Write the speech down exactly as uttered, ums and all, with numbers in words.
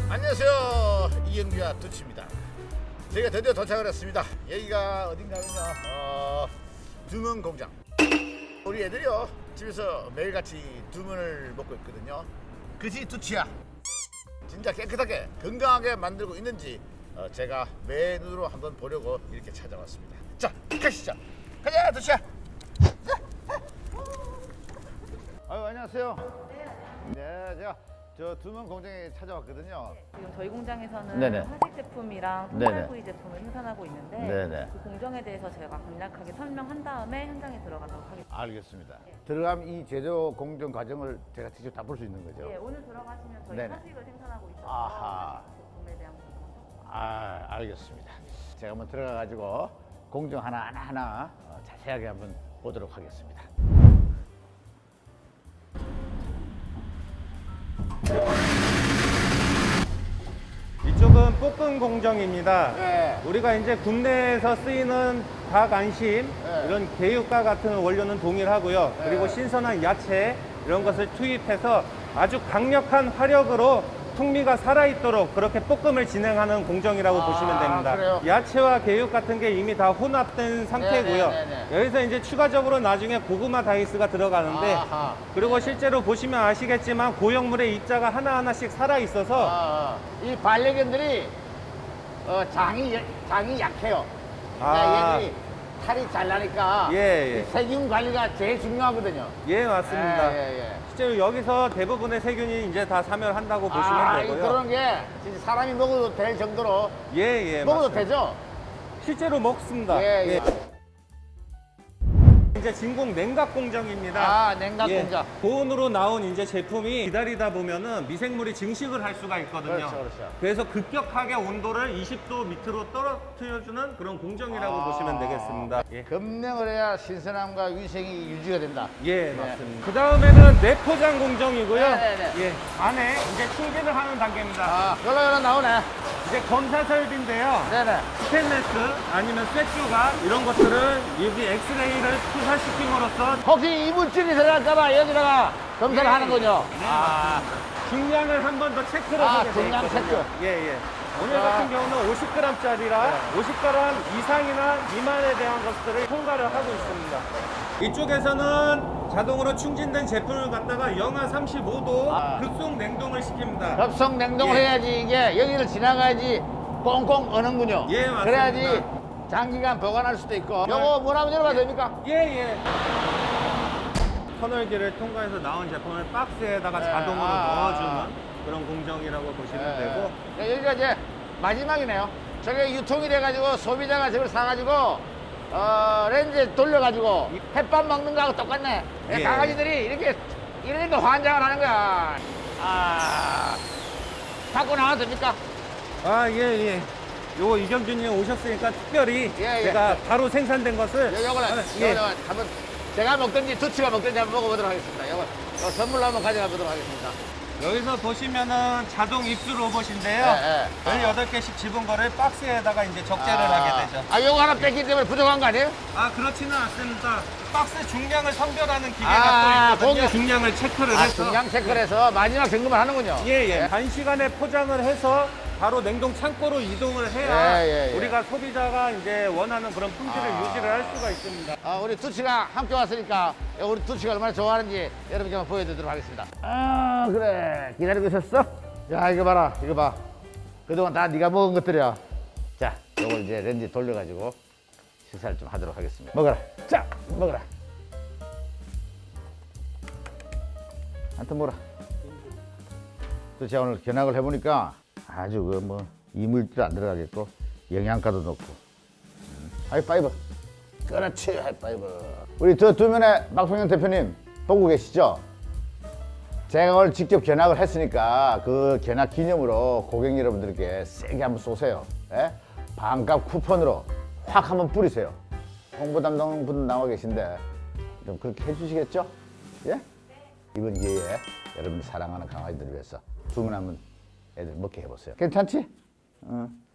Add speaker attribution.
Speaker 1: 안녕하세요, 이영규와 두치입니다. 저희가 드디어 도착을 했습니다. 여기가 어딘가면요, 어, 두문 공장. 우리 애들이요 집에서 매일같이 두문을 먹고 있거든요. 그지 두치야? 진짜 깨끗하게 건강하게 만들고 있는지 어, 제가 매 눈으로 한번 보려고 이렇게 찾아왔습니다. 자, 가시죠. 가자, 두치야. 아유, 안녕하세요. 네, 제가 저 두문 공장에 찾아왔거든요.
Speaker 2: 지금 저희 공장에서는
Speaker 1: 네네.
Speaker 2: 화식 제품이랑
Speaker 1: 네네.
Speaker 2: 통발구이 제품을 생산하고 있는데
Speaker 1: 네네.
Speaker 2: 그 공정에 대해서 제가 간략하게 설명한 다음에 현장에 들어가도록 하겠습니다.
Speaker 1: 알겠습니다. 들어가면 이 제조 공정 과정을 제가 직접 다 볼 수 있는 거죠?
Speaker 2: 예, 오늘 들어가시면 저희
Speaker 1: 네네.
Speaker 2: 화식을 생산하고 있어서
Speaker 1: 아하.
Speaker 2: 화식 제품에 대한 부분
Speaker 1: 아, 알겠습니다. 제가 한번 들어가 가지고 공정 하나 하나 하나 어, 자세하게 한번 보도록 하겠습니다.
Speaker 3: 이쪽은 볶음 공정입니다.
Speaker 1: 네.
Speaker 3: 우리가 이제 국내에서 쓰이는 닭 안심,
Speaker 1: 네.
Speaker 3: 이런 개육과 같은 원료는 동일하고요.
Speaker 1: 네.
Speaker 3: 그리고 신선한 야채 이런 것을 투입해서 아주 강력한 화력으로 풍미가 살아있도록 그렇게 볶음을 진행하는 공정이라고
Speaker 1: 아,
Speaker 3: 보시면 됩니다.
Speaker 1: 그래요?
Speaker 3: 야채와 개육 같은 게 이미 다 혼합된 상태고요.
Speaker 1: 네, 네, 네, 네.
Speaker 3: 여기서 이제 추가적으로 나중에 고구마 다이스가 들어가는데
Speaker 1: 아하.
Speaker 3: 그리고 실제로 보시면 아시겠지만 고형물의 입자가 하나하나씩 살아있어서
Speaker 1: 아, 이 반려견들이 어, 장이 장이 약해요.
Speaker 3: 아.
Speaker 1: 그러니까 얘들이 살이 잘 나니까
Speaker 3: 예, 예.
Speaker 1: 이 세균 관리가 제일 중요하거든요.
Speaker 3: 예, 맞습니다.
Speaker 1: 예, 예, 예.
Speaker 3: 실제로 여기서 대부분의 세균이 이제 다 사멸한다고 보시면
Speaker 1: 아, 이
Speaker 3: 되고요.
Speaker 1: 그런 게 진짜 사람이 먹어도 될 정도로
Speaker 3: 예, 예.
Speaker 1: 먹어도
Speaker 3: 맞습니다.
Speaker 1: 되죠?
Speaker 3: 실제로 먹습니다.
Speaker 1: 예, 예.
Speaker 3: 이제 진공 냉각 공정입니다.
Speaker 1: 아, 냉각
Speaker 3: 예,
Speaker 1: 공장.
Speaker 3: 고온으로 나온 이제 제품이 기다리다 보면은 미생물이 증식을 할 수가 있거든요.
Speaker 1: 그렇죠, 그렇죠.
Speaker 3: 그래서 급격하게 온도를 이십 도 밑으로 떨어뜨려주는 그런 공정이라고
Speaker 1: 아.
Speaker 3: 보시면 되겠습니다. 예,
Speaker 1: 급냉을 해야 신선함과 위생이 유지가 된다.
Speaker 3: 예,
Speaker 1: 네.
Speaker 3: 맞습니다. 그 다음에는 내포장 공정이고요.
Speaker 1: 네네네.
Speaker 3: 예, 안에 이제 충진을 하는 단계입니다.
Speaker 1: 아, 열로 열로 나오네.
Speaker 3: 이제 검사 설비인데요.
Speaker 1: 네네.
Speaker 3: 스테인레스 아니면 쇠조각 이런 것들을 여기 엑스레이를 투사시킴으로써
Speaker 1: 혹시 이물질이 들어갈까봐 여기다가 검사를
Speaker 3: 예.
Speaker 1: 하는군요.
Speaker 3: 네,
Speaker 1: 아,
Speaker 3: 중량을 한 번 더 체크를
Speaker 1: 아,
Speaker 3: 하게 돼
Speaker 1: 중량
Speaker 3: 있거든요.
Speaker 1: 체크.
Speaker 3: 예, 예. 오늘
Speaker 1: 아.
Speaker 3: 같은 경우는 오십 그램짜리라
Speaker 1: 네.
Speaker 3: 오십 그램 이상이나 미만에 대한 것들을 통과를 하고 있습니다. 이쪽에서는 자동으로 충진된 제품을 갖다가 영하 삼십오 도
Speaker 1: 아.
Speaker 3: 급속 냉동을 시킵니다.
Speaker 1: 급속 냉동을
Speaker 3: 예.
Speaker 1: 해야지 이게 여기를 지나가야지 꽁꽁 어는군요.
Speaker 3: 예, 맞습니다.
Speaker 1: 그래야지 장기간 보관할 수도 있고. 요거 뭐 한번 열어봐도 됩니까?
Speaker 3: 예, 예. 터널기를 통과해서 나온 제품을 박스에다가
Speaker 1: 네.
Speaker 3: 자동으로
Speaker 1: 아.
Speaker 3: 넣어주는 그런 공정이라고 보시면 되고
Speaker 1: 네, 여기가 이제 마지막이네요. 저게 유통이 돼가지고 소비자가 저걸 사가지고 어, 렌즈에 돌려가지고 햇밥 먹는 거하고 똑같네.
Speaker 3: 예.
Speaker 1: 강아지들이 이렇게 이러니까 환장을 하는 거야. 아, 갖고 나와도 됩니까?
Speaker 3: 아, 예, 예. 요거 이경준님 오셨으니까 특별히
Speaker 1: 예, 예.
Speaker 3: 제가 바로 생산된 것을
Speaker 1: 요- 요걸
Speaker 3: 하나- 예.
Speaker 1: 요걸 한번 제가 먹든지 두치가 먹든지 한번 먹어보도록 하겠습니다. 요거 요 선물로 한번 가져가 보도록 하겠습니다.
Speaker 3: 여기서 보시면은 자동 입수 로봇인데요.
Speaker 1: 예, 예.
Speaker 3: 열여덟 개씩 집은 거를 박스에다가 이제 적재를
Speaker 1: 아,
Speaker 3: 하게 되죠.
Speaker 1: 아, 요거 하나 뺐기 때문에 부족한 거 아니에요?
Speaker 3: 아, 그렇지는 않습니다. 박스 중량을 선별하는 기계가
Speaker 1: 아,
Speaker 3: 또 있거든요.
Speaker 1: 거기-
Speaker 3: 중량을 체크를
Speaker 1: 아,
Speaker 3: 해서
Speaker 1: 중량 체크를 해서 마지막 점검을 하는군요.
Speaker 3: 예, 예. 단시간에 포장을 해서 바로 냉동 창고로 이동을 해야
Speaker 1: 예, 예, 예.
Speaker 3: 우리가 소비자가 이제 원하는 그런 품질을
Speaker 1: 아.
Speaker 3: 유지를 할 수가 있습니다.
Speaker 1: 아, 우리 두치가 함께 왔으니까 우리 두치가 얼마나 좋아하는지 여러분께 한번 보여드리도록 하겠습니다. 아, 그래. 기다리고 있었어? 야, 이거 봐라. 이거 봐. 그동안 다 네가 먹은 것들이야. 자, 이걸 이제 렌즈 돌려가지고 식사를 좀 하도록 하겠습니다. 먹어라. 자, 먹어라. 한테 먹어라. 두치가 오늘 견학을 해보니까 아주 그 뭐 이물질 안 들어가겠고 영양가도 높고. 음. 하이파이브. 그렇지, 하이파이브. 우리 저 두면의 박성현 대표님 보고 계시죠? 제가 오늘 직접 견학을 했으니까 그 견학 기념으로 고객 여러분들께 세게 한번 쏘세요. 예? 반값 쿠폰으로 확 한번 뿌리세요. 홍보 담당 분 나와 계신데 좀 그렇게 해주시겠죠? 예? 이번 기회에 여러분이 사랑하는 강아지들을 위해서 주문 한번 애들 먹게 해보세요. 괜찮지? 응.